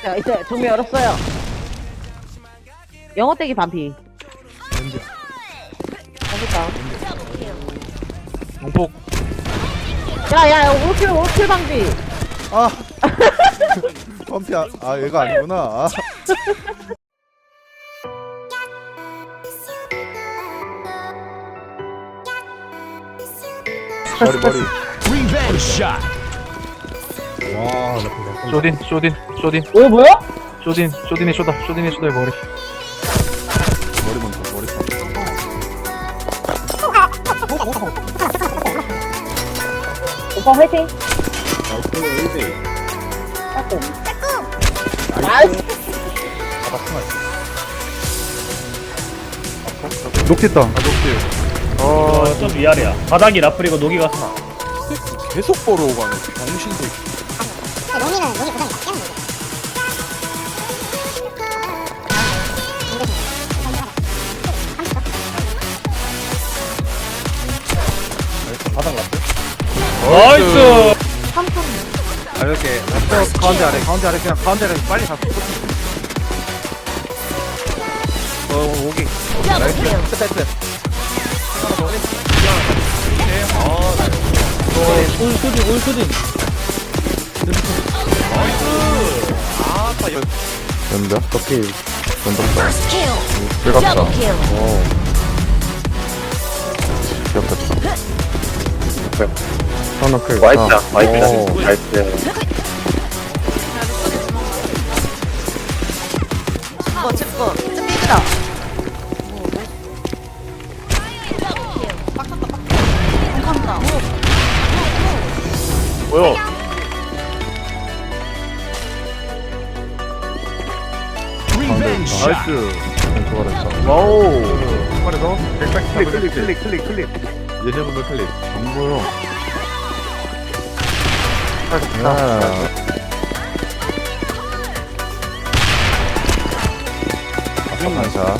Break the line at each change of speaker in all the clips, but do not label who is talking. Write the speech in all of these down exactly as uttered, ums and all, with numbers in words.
자, 이제 종료 열었어요. 영어 떼기 반피.
언제?
어딨다.
용폭.
야, 야, 오킬, 오킬 방비.
아 펌피 아, 아 얘가 아니구나. 아. 머리 머리. 와,
쇼딘, 쇼딘, 쇼딘,
오, 뭐야?
쇼딘, 쇼딘의 쇼다, 쇼딘의 쇼다의 머리.
머리 먼저 머리.
오빠 화이팅. 나이스.
녹겠다.
아, 녹지.
어, 좀 위아래야. 바닥이 라플이고 녹이가 스나.
계속 보러 가네. 정신도.
농이는 농이 고정이 맞게 하는 거죠.
바닥 났어?
나이스!
아 이렇게 또 가운데 아래 가운데 아래 그냥 가운데 아래 빨리 잡고. 어 오기. 나이스. 끝 끝.
올수딘, 올수딘.
연다. 커피. 연다.
kill.
들어갔다.
Double kill.
오. 귀엽겠다. 하나
와이프다, 와이프다. 나이스.
어, 집거. 찝니다. 감사합니다.
뭐야?
나이스. 좋아했다.
와우. 한 마리 더.
클릭 클릭 클릭 클릭 클릭. 예전부터 클릭. 안 보여. 야. 반샷.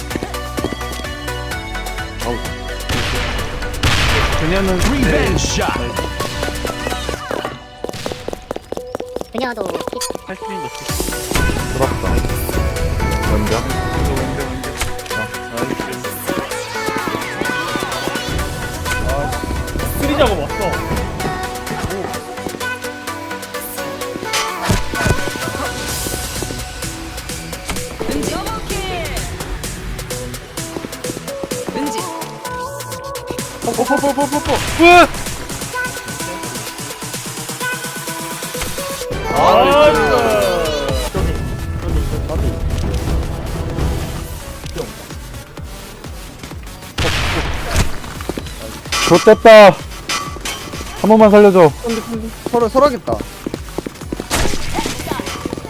그녀는
그녀도
팔십인 거
들었다. 먼저.
스리 작업 왔어.
뽀뽀뽀뽀뽀뽀.
좋됐다. 한 번만 살려줘. 서로 서러겠다.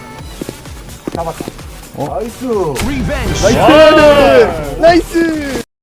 잡았다. 어? 나이스. 나이스. 나이스.